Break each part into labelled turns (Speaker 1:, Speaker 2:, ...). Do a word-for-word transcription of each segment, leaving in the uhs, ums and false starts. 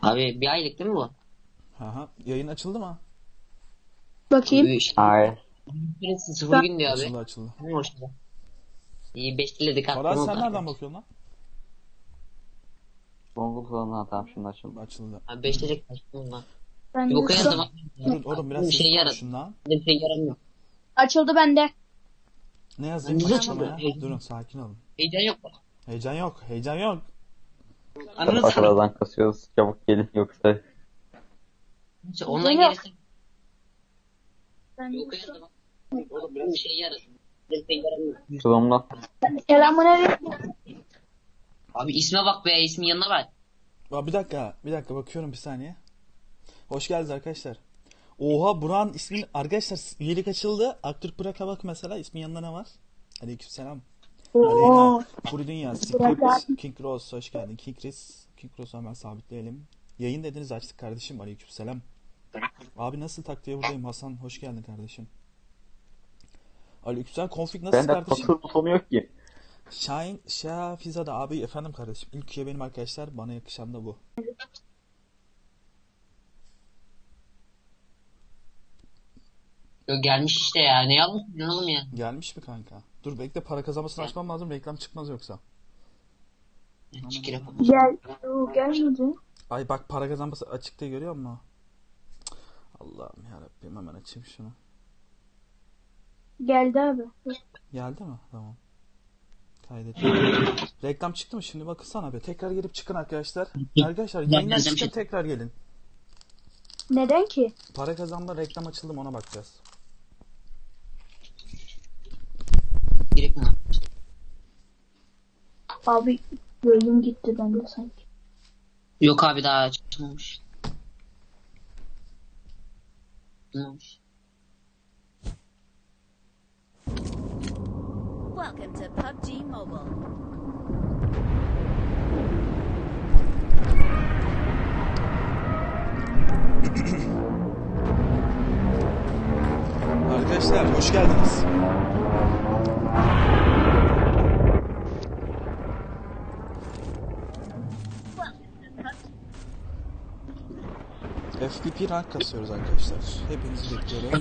Speaker 1: Abi bir aylık değil mi bu?
Speaker 2: Aha. Yayın açıldı mı?
Speaker 3: Bakayım.
Speaker 1: Abi işte
Speaker 4: Hayır.
Speaker 1: birisi sıfır gün diyor abi.
Speaker 2: Açıldı açıldı.
Speaker 1: Ne hoş bu. İyi beşledik
Speaker 2: Farah
Speaker 1: attım
Speaker 2: sen
Speaker 1: oldu.
Speaker 2: nereden bakıyorsun lan?
Speaker 4: Google falan tamam şimdi açıldı.
Speaker 2: Açıldı.
Speaker 1: Abi beşledik attım lan.
Speaker 3: Ben
Speaker 1: Bir
Speaker 3: de
Speaker 1: okuyana
Speaker 3: şu-
Speaker 1: zaman.
Speaker 2: Durun oğlum biraz
Speaker 1: Bir şey
Speaker 2: sessiz
Speaker 1: yaradı.
Speaker 2: konuşun lan.
Speaker 1: Bir şey yaramıyor.
Speaker 3: Açıldı bende.
Speaker 2: Ne yazayım
Speaker 1: Bize
Speaker 2: açıklamaya?
Speaker 1: açıldı.
Speaker 2: Durun sakin olun.
Speaker 1: Heyecan yok mu?
Speaker 2: Heyecan yok. Heyecan yok.
Speaker 1: Anladın mı?
Speaker 4: Arkadan kasıyoruz. Çabuk gelin yoksa.
Speaker 1: Ondan
Speaker 3: Yok.
Speaker 1: gerisi.
Speaker 3: Ben
Speaker 1: Bir okuyana zaman. Oğlum bir şey yaradı. Bir şey yaramıyor.
Speaker 4: Zoom'la.
Speaker 3: Selamünaleyküm.
Speaker 1: Abi isme bak be, ismin yanına bak.
Speaker 2: Aa, bir dakika. Bir dakika bakıyorum bir saniye. Hoş geldiniz arkadaşlar. Oha Burak'ın ismin arkadaşlar üyelik açıldı. Aktürk Burak'a bak mesela ismin yanında ne var? Aleykümselam.
Speaker 3: Oo.
Speaker 2: Aleyna, Furi Dünya,
Speaker 3: Burak
Speaker 2: Script, King Rose hoş geldin. King Chris, King Rose'u hemen sabitleyelim. Yayın dediniz açtık kardeşim. Aleykümselam. Abi nasıl taktiğe buradayım Hasan hoş geldin kardeşim. Aleykümselam. Config nasıl
Speaker 4: Bende
Speaker 2: kardeşim?
Speaker 4: kasıl butonu yok ki.
Speaker 2: Şahin Şafizade abi efendim kardeşim. İlk üye benim arkadaşlar. Bana yakışan da bu.
Speaker 1: Yok gelmiş işte ya. Ne yapmışsın oğlum ya?
Speaker 2: Gelmiş mi kanka? Dur bekle para kazanmasını açmam lazım. Reklam çıkmaz yoksa.
Speaker 1: Çıkır yapalım.
Speaker 3: Gel. Oo, gelmedi.
Speaker 2: Ay bak para kazanması açıkta görüyor musun? Cık, Allah'ım yarabbim hemen açayım şunu.
Speaker 3: Geldi abi.
Speaker 2: Geldi mi? Tamam. Kaydet. Reklam çıktı mı? Şimdi bakırsana be. Tekrar gelip çıkın arkadaşlar. Arkadaşlar yayından
Speaker 1: Reklam
Speaker 2: çıkın
Speaker 1: çıktı.
Speaker 2: tekrar gelin.
Speaker 3: Neden ki?
Speaker 2: Para kazanma reklam açıldı mı ona bakacağız.
Speaker 1: Gerek mi lan?
Speaker 3: Abi yayın gitti bende sanki.
Speaker 1: Yok abi daha açılmamış. Açılmamış.
Speaker 5: Welcome to P U B G Mobile.
Speaker 2: Arkadaşlar hoş geldiniz. F P P rank kasıyoruz arkadaşlar. Hepinizi bekliyorum.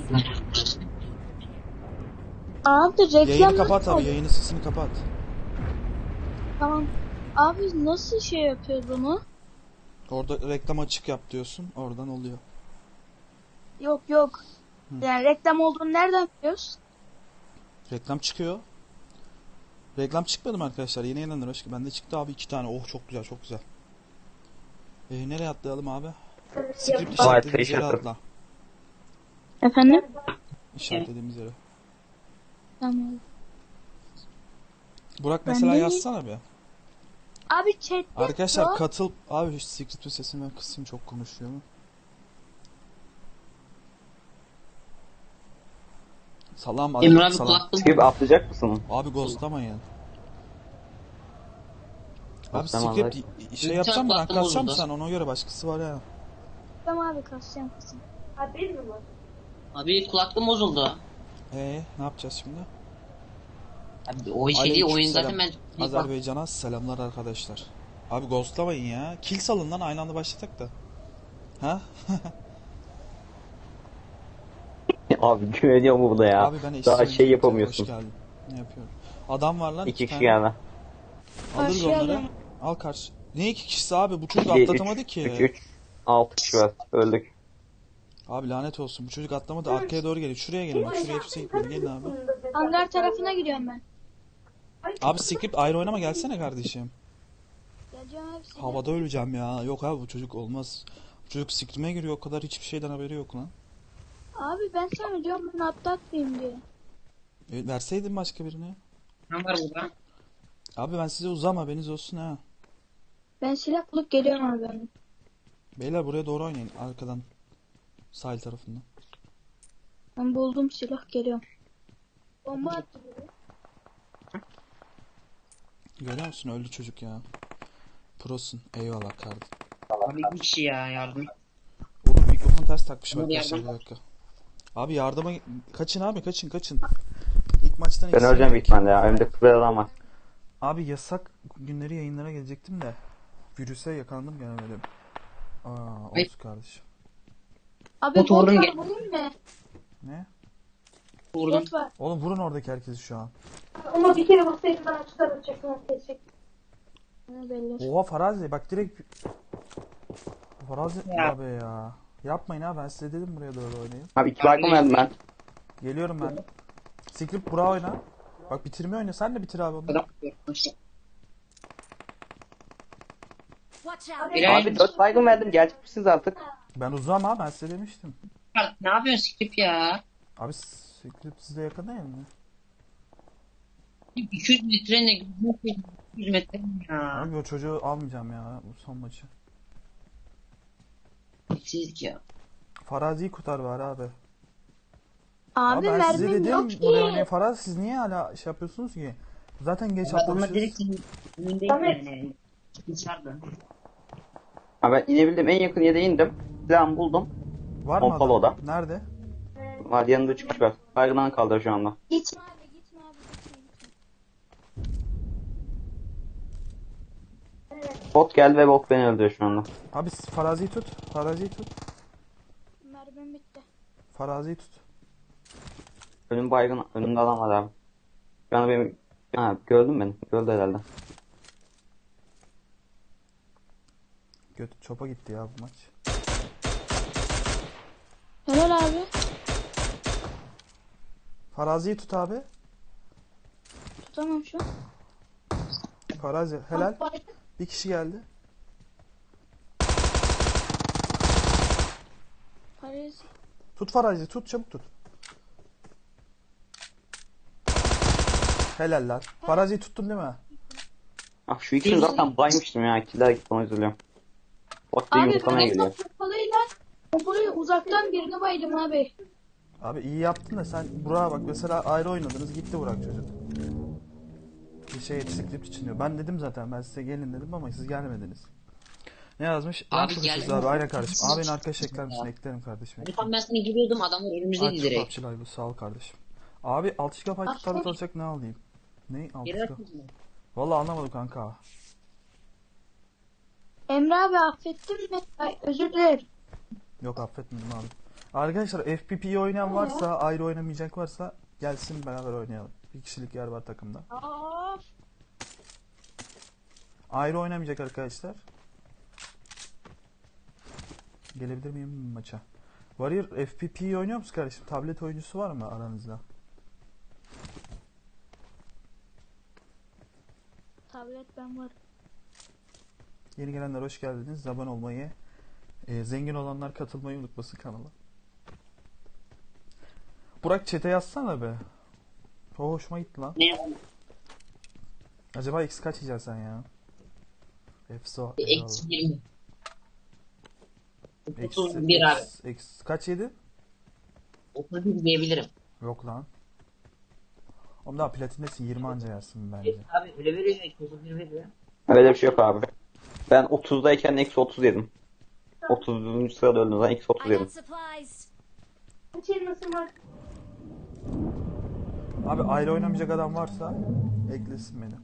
Speaker 3: Abi reklam
Speaker 2: Yayını kapat
Speaker 3: nasıl
Speaker 2: abi.
Speaker 3: oldu?
Speaker 2: Yayının sesini kapat.
Speaker 3: Tamam. Abi nasıl şey yapıyoruz bunu?
Speaker 2: Orada reklam açık yap diyorsun. Oradan oluyor.
Speaker 3: Yok yok. Yani reklam olduğunu nereden biliyoruz?
Speaker 2: Reklam çıkıyor. Reklam çıkmadı mı arkadaşlar? Yeni gelenler hoş geldin. Bende çıktı abi iki tane. Oh çok güzel çok güzel. Ee, nereye atlayalım abi? Script işaretlediğimiz yere atla.
Speaker 3: Efendim?
Speaker 2: İşaretlediğimiz yere.
Speaker 3: Tamam.
Speaker 2: Burak
Speaker 3: Ben
Speaker 2: mesela
Speaker 3: de-
Speaker 2: yazsana bir.
Speaker 3: Abi chatte
Speaker 2: Arkadaşlar
Speaker 3: yok.
Speaker 2: katıl... Abi şu Script'in sesini ben kısayım çok konuşuyor mu? Salam
Speaker 1: Emre
Speaker 2: aleyküm
Speaker 1: abi
Speaker 2: salam.
Speaker 1: kulaklığım.
Speaker 4: Skip atlayacak mısın?
Speaker 2: Abi ghostlamayın. Abi
Speaker 4: Ghostlamazlar.
Speaker 2: script şey
Speaker 1: Lütfen
Speaker 2: yapacağım mı? Rank
Speaker 1: kulaklığım
Speaker 2: kasacağım mı
Speaker 1: bozuldu.
Speaker 2: sen? Ona göre başkası var ya.
Speaker 3: Tamam abi kasacağım kasacağım.
Speaker 1: Abi kulaklığım bozuldu.
Speaker 2: Ee, ne yapacağız şimdi?
Speaker 1: Abi o şey değil, oyun zaten ben...
Speaker 2: Azerbaycan'a selamlar arkadaşlar. Abi ghostlamayın ya. Kill salın lan aynı anda başladık da. Ha?
Speaker 4: Abi güveniyor mu buna ya?
Speaker 2: Abi ben
Speaker 4: Daha
Speaker 2: eşsiz
Speaker 4: şey
Speaker 2: oyuncuyum.
Speaker 4: yapamıyorsun.
Speaker 2: Hoş geldin. Ne yapıyorum? Adam var lan.
Speaker 4: İki kişi
Speaker 2: tane.
Speaker 4: yani.
Speaker 2: Alırız
Speaker 3: Karşıya
Speaker 2: onları.
Speaker 3: gel.
Speaker 2: Al karşı. Ne iki kişisi abi? Bu çocuk
Speaker 4: İki,
Speaker 2: atlatamadı
Speaker 4: üç,
Speaker 2: ki.
Speaker 4: üç, üç. Altı kişi var. Öldük.
Speaker 2: Abi lanet olsun. Bu çocuk atlamadı. Arkaya doğru geliyor. Şuraya gelin. Bak şuraya kimse gitmedi. Gelin abi.
Speaker 3: Hangar tarafına gidiyorum ben.
Speaker 2: Abi script ayrı oynama gelsene kardeşim.
Speaker 3: Geleceğim abi size.
Speaker 2: Havada öleceğim ya. Yok abi bu çocuk olmaz. Bu çocuk script'ime giriyor. O kadar hiçbir şeyden haberi yok lan.
Speaker 3: Abi ben sana diyorum ben atlatmayayım diye.
Speaker 2: E, verseydin başka birine.
Speaker 1: Ne var burada?
Speaker 2: Abi ben size uzam haberiniz olsun ha.
Speaker 3: Ben silah bulup geliyorum abi ben.
Speaker 2: Beyler buraya doğru oynayın. Arkadan. Sahil tarafından.
Speaker 3: Ben buldum silah geliyorum. Bomba attı biri.
Speaker 2: Görüyor musun? Öldü çocuk ya. Prosun. Eyvallah kardeşim.
Speaker 1: Abi bir kişi ya yardım.
Speaker 2: Oğlum mikrofon ters takmışım
Speaker 1: Hadi
Speaker 2: arkadaşlar bir
Speaker 1: yardım.
Speaker 2: dakika. Abi yardıma kaçın abi kaçın kaçın. İlk maçtan
Speaker 4: Ben
Speaker 2: ikisi
Speaker 4: öleceğim
Speaker 2: yedik.
Speaker 4: büyük ihtimalle ya. Önümde kıvır adam var.
Speaker 2: Abi yasak günleri yayınlara gelecektim de virüse yakalandım gelemedim. Aa, Olsun kardeşim.
Speaker 3: Abi
Speaker 1: Bot
Speaker 3: bot
Speaker 1: vurdum
Speaker 3: var
Speaker 1: gel.
Speaker 3: vurayım mı?
Speaker 2: Ne?
Speaker 1: Vurdum.
Speaker 3: Bot var.
Speaker 2: Oğlum vurun oradaki herkesi şu an.
Speaker 3: Ama bir kere vursaydı ben açıklar açacaktım. Kesecek. Ne belli.
Speaker 2: Oha Farazi bak direkt... Farazi
Speaker 1: Ya.
Speaker 2: abi ya. Yapmayın ha, ben size dedim buraya doğru oynayın.
Speaker 4: Abi iki baygın verdim ben.
Speaker 2: Geliyorum ben. Script bura oyna. Bak bitirme oyna, sen de bitir abi onu.
Speaker 1: Adam.
Speaker 5: Watch out.
Speaker 1: Bilal.
Speaker 4: Abi dört baygın verdim. Gelecek misiniz artık?
Speaker 2: Ben uzağım ha, ben size demiştim.
Speaker 1: Ne yapıyorsun Skip ya?
Speaker 2: Abi Script size yakın değil mi?
Speaker 1: iki yüz metre ne? iki yüz metre mi ya?
Speaker 2: Abi o çocuğu almayacağım ya bu son maçı.
Speaker 1: Siz ya.
Speaker 2: Farazi'yi kurtar var abi.
Speaker 3: Abi,
Speaker 2: Abi ben size
Speaker 3: mermim
Speaker 2: dedim
Speaker 3: yok
Speaker 2: buraya
Speaker 3: ki.
Speaker 2: oynayın Farazi, siz niye hala şey yapıyorsunuz ki? Zaten geç
Speaker 1: Adamlar
Speaker 2: atlamışız.
Speaker 1: direkt senin önündeydi yani. Dışarıda.
Speaker 4: Abi ben inebildim. En yakın yere indim. Silahımı buldum.
Speaker 2: Var mı
Speaker 4: Pompalı
Speaker 2: adam?
Speaker 4: oda.
Speaker 2: Nerede?
Speaker 4: Var yanında üç kişi var. Baygından kaldı şu anda.
Speaker 3: Gitme abi gitme abi gitme gitme.
Speaker 4: Bot geldi ve bot beni öldürüyor şu anda.
Speaker 2: Abi siz Farazi'yi tut. Farazi'yi tut.
Speaker 3: Mermim bitti.
Speaker 2: Farazi'yi tut.
Speaker 4: Önüm baygın. Önümde adam var abi. Şu anda benim... Ha gördün beni. Gördü herhalde.
Speaker 2: Götü çopa gitti ya bu maç.
Speaker 3: Helal abi.
Speaker 2: Farazi'yi tut abi.
Speaker 3: Tutamam şu an.
Speaker 2: Farazi helal. Bir kişi geldi.
Speaker 3: Paris.
Speaker 2: Tut Farazi, tut çabuk tut. Helal lan. Farazi'yi tuttun değil mi?
Speaker 4: Ah şu ikisini zaten baymıştım ya. İkiler gitti ona üzülüyorum. Bot da
Speaker 3: Abi
Speaker 4: yumurtlamaya
Speaker 3: ben
Speaker 4: geliyor.
Speaker 3: pompalıyla pompalıyla uzaktan birini baydım abi.
Speaker 2: Abi iyi yaptın da sen Burak'a bak mesela ayrı oynadınız gitti Burak çocuk. Bir şey script için diyor. Ben dedim zaten ben size gelin dedim ama siz gelmediniz. Ne yazmış?
Speaker 1: Abi
Speaker 2: Abi geldim.
Speaker 1: geldim.
Speaker 2: Abi aynen kardeşim.
Speaker 1: Siz-
Speaker 2: Abinin arkadaş ekler misin? Eklerim kardeşim.
Speaker 1: Hani tam ben sana giriyordum adamlar önümüzdeydi
Speaker 2: Aç
Speaker 1: direkt.
Speaker 2: PUBG Live'ı sağ ol kardeşim. Abi altı gigabayt
Speaker 3: Aç
Speaker 2: tutarlı
Speaker 3: PUBG.
Speaker 2: alacak ne alayım? Ne altı
Speaker 1: Geri
Speaker 2: gigabayt?
Speaker 1: atmadın mı?
Speaker 2: Vallahi anlamadım kanka.
Speaker 3: Emre abi affettin mi? Ay, özür dilerim.
Speaker 2: Yok affetmedim abi. Arkadaşlar F P P'yi oynayan varsa, ayrı oynamayacak varsa gelsin beraber oynayalım. Bir kişilik yer var takımda.
Speaker 3: Aa,
Speaker 2: Ayrı oynamayacak arkadaşlar. Gelebilir miyim maça? Warrior F P P'yi oynuyor musun kardeşim? Tablet oyuncusu var mı aranızda?
Speaker 3: tablet ben var.
Speaker 2: Yeni gelenler hoş geldiniz. Abone olmayı, e, zengin olanlar katılmayı unutmasın kanala. Burak chat'e yazsana be. O hoşuma gitti lan.
Speaker 1: Ne yapalım?
Speaker 2: Acaba X kaç yiyeceksin sen ya? Efso.
Speaker 1: Eksi yirmi.
Speaker 2: X,
Speaker 1: otuz bir abi.
Speaker 2: X, X kaç yedi?
Speaker 1: otuz bir diyebilirim.
Speaker 2: Yok lan. Oğlum daha platindesin, yirmi anca yersin bence.
Speaker 1: Abi öyle veriyor ya otuz bir veriyor.
Speaker 4: Öyle bir şey yok abi. Ben otuzdayken eksi otuz yedim. otuzuncu sırada öldüm zaman eksi otuz
Speaker 5: I
Speaker 4: yedim.
Speaker 5: got supplies.
Speaker 2: Abi ayrı oynamayacak adam varsa eklesin beni.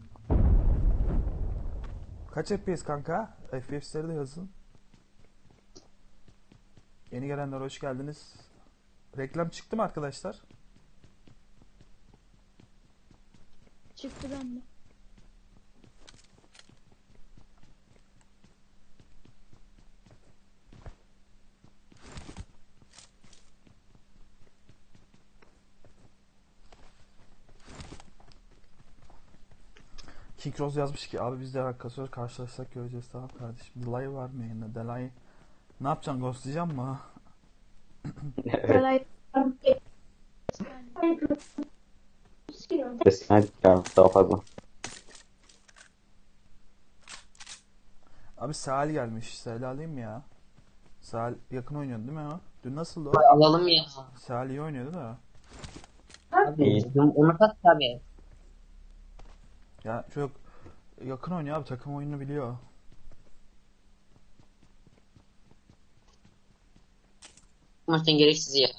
Speaker 2: Kaç F P S kanka? F P S'leri de yazın. Yeni gelenler hoş geldiniz. Reklam çıktı mı arkadaşlar?
Speaker 3: Çıktı bende.
Speaker 2: Kikroz yazmış ki abi biz de arkadaşlar karşılaşsak göreceğiz, tamam kardeşim. Delay var mı yayında? Delay ne yapacaksın, ghostlayacak mı?
Speaker 3: Kolay.
Speaker 4: Hadi ya daha fazla.
Speaker 2: Abi Sahil gelmiş. Sahil alayım mı ya? Sahil yakın oynuyordu değil mi o? Dün nasıldı o?
Speaker 1: Alalım ya.
Speaker 2: Sahil iyi oynuyordu da.
Speaker 1: Abi onu kat tabii.
Speaker 2: Ya çok yakın oynuyor abi, takım oyununu biliyor.
Speaker 1: Maçtan gereksiz ya.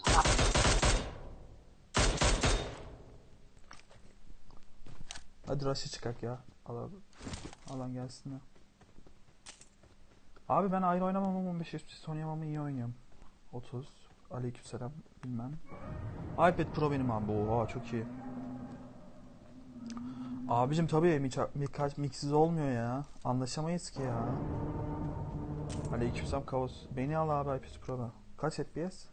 Speaker 2: Hadi rush'ı çıkak ya. Alan, alan gelsin ya. Abi ben ayrı oynamam ama on beş F P S oynayamam, iyi oynuyorum. otuz. Aleykümselam bilmem. iPad Pro benim abi. Oha çok iyi. Abicim tabii mik miksiz olmuyor ya. Anlaşamayız ki ya. Aleykümselam Kaos. Beni al abi iPad Pro'da. Kaç F P S?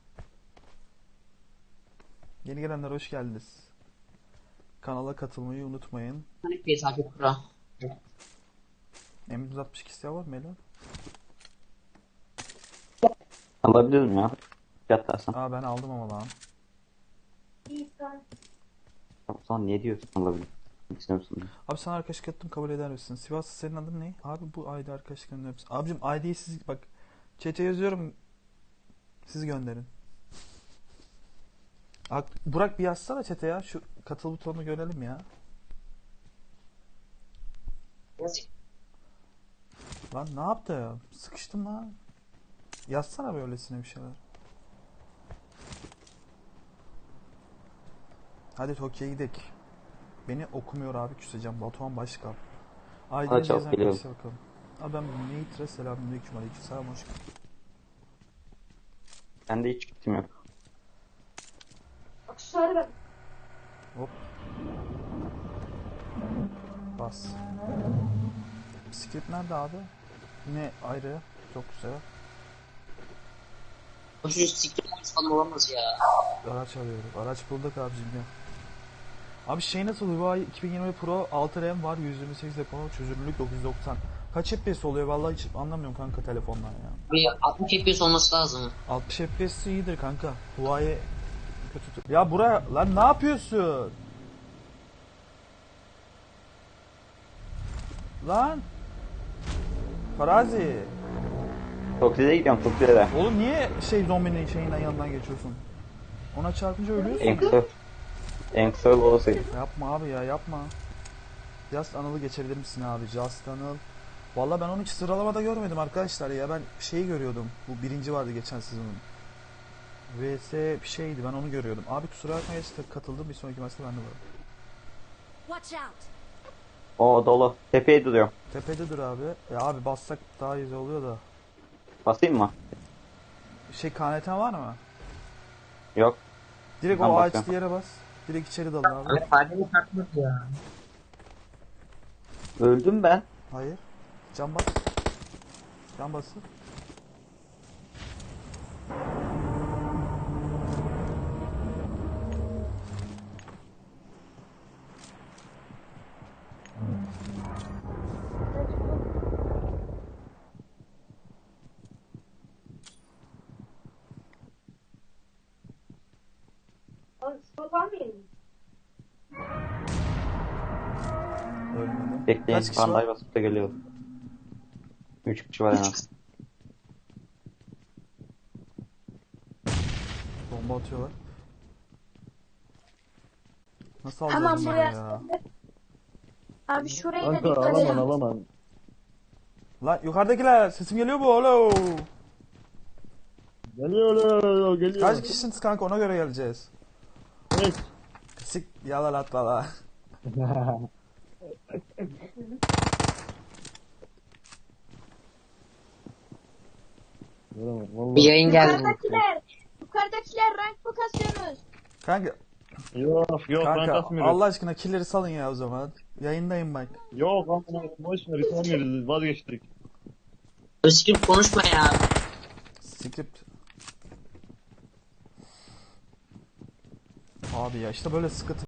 Speaker 2: Yeni gelenler hoş geldiniz. Kanala katılmayı unutmayın.
Speaker 1: Hani F P S iPad Pro.
Speaker 2: M yüz altmış iki siyah var mı Ela?
Speaker 4: Alabilirim ya. Fiyat dersen.
Speaker 2: Aa ben aldım ama lan.
Speaker 4: O zaman niye diyorsun alabilirim? İstiyor musun?
Speaker 2: Abi sana arkadaşlık ettim, kabul eder misin? Sivaslı senin adın ne? Abi bu I D arkadaşlık gönderir misin? Abicim I D'yi siz bak chat'e yazıyorum. Siz gönderin. Ak- Burak bir yazsana chat'e ya. Şu katıl butonunu görelim ya. Lan ne yaptı ya? Sıkıştım lan. Yazsana böylesine bir şeyler. Hadi Tokyo'ya gidelim. Beni okumuyor abi, küseceğim. Batuhan Başkan.
Speaker 4: Hadi
Speaker 2: Aydın
Speaker 4: çabuk
Speaker 2: Gezen
Speaker 4: geliyorum.
Speaker 2: arkadaşlar bakalım. Abi ben Neytre selamünaleyküm aleykümselam hoş geldin.
Speaker 4: Bende hiç gittim yok.
Speaker 2: Hop. Bas. Bisiklet nerede abi? Yine ayrı. Çok güzel.
Speaker 1: O çocuk siktir falan olamaz ya.
Speaker 2: Araç arıyorum. Araç bulduk abicim ya. Abi şey nasıl? Huawei iki bin yirmi Pro altı RAM var. yüz yirmi sekiz depolama çözünürlük dokuz yüz doksan. Kaç F P S oluyor? Vallahi hiç anlamıyorum kanka telefondan ya.
Speaker 1: Bir altmış F P S olması lazım.
Speaker 2: altmış F P S iyidir kanka. Huawei kötü. Ya bura lan ne yapıyorsun? Lan Farazi.
Speaker 4: Çok güzel gidiyorum çok güzel.
Speaker 2: Oğlum niye şey zombinin şeyinden yanından geçiyorsun? Ona çarpınca ölüyorsun.
Speaker 4: En kısa. En kısa yol olasıydı.
Speaker 2: Yapma abi ya yapma. Just Anıl'ı geçebilir misin abi? Just Anıl. Valla ben onu hiç sıralamada görmedim arkadaşlar ya. Ben şeyi görüyordum. Bu birinci vardı geçen sezonun. V S bir şeydi, ben onu görüyordum. Abi kusura bakma işte katıldım, bir sonraki maçta ben de varım.
Speaker 5: Watch out!
Speaker 4: O dolu. Tepeye duruyor.
Speaker 2: Tepede dur abi. Ya abi bassak daha iyi oluyor da.
Speaker 4: Basayım mı?
Speaker 2: Şey K N T'm var mı?
Speaker 4: Yok.
Speaker 2: Direkt
Speaker 4: Ben
Speaker 2: o
Speaker 4: basıyorum.
Speaker 2: ağaçlı yere bas. Direkt içeri dal abi.
Speaker 1: Abi faydalı takmaz ya.
Speaker 4: Öldüm ben.
Speaker 2: Hayır. Can bas. Can bası. Ölmedi.
Speaker 4: Bekleyin.
Speaker 2: Kaç kişi var?
Speaker 4: Panday basıp da geliyorum. Üç kişi var en az.
Speaker 2: Bomba atıyorlar. Nasıl
Speaker 3: Hemen
Speaker 2: alacağız bunları
Speaker 3: buraya-
Speaker 2: ya?
Speaker 3: Abi şuraya da
Speaker 6: Kanka
Speaker 3: dikkat
Speaker 6: alamam
Speaker 3: edin.
Speaker 6: alamam.
Speaker 2: Lan yukarıdakiler sesim geliyor mu oğlum?
Speaker 6: Geliyor geliyor geliyor.
Speaker 2: Kaç kişisiniz kanka, ona göre geleceğiz.
Speaker 6: Tek.
Speaker 2: Sik yalan atla la.
Speaker 6: Gelemem,
Speaker 1: Bir
Speaker 6: vallahi.
Speaker 1: yayın geldi.
Speaker 3: Yukarıdakiler. Yukarıdakiler rank mı kasıyorsunuz?
Speaker 2: Kanka,
Speaker 6: Yok yok ben
Speaker 2: kanka
Speaker 6: kasmıyorum.
Speaker 2: Allah aşkına killeri salın ya o zaman. Yayındayım bak.
Speaker 6: Yok ama boş ver istemiyoruz vazgeçtik.
Speaker 1: Özgür konuşma ya.
Speaker 2: Script. Abi ya işte böyle sıkıntı.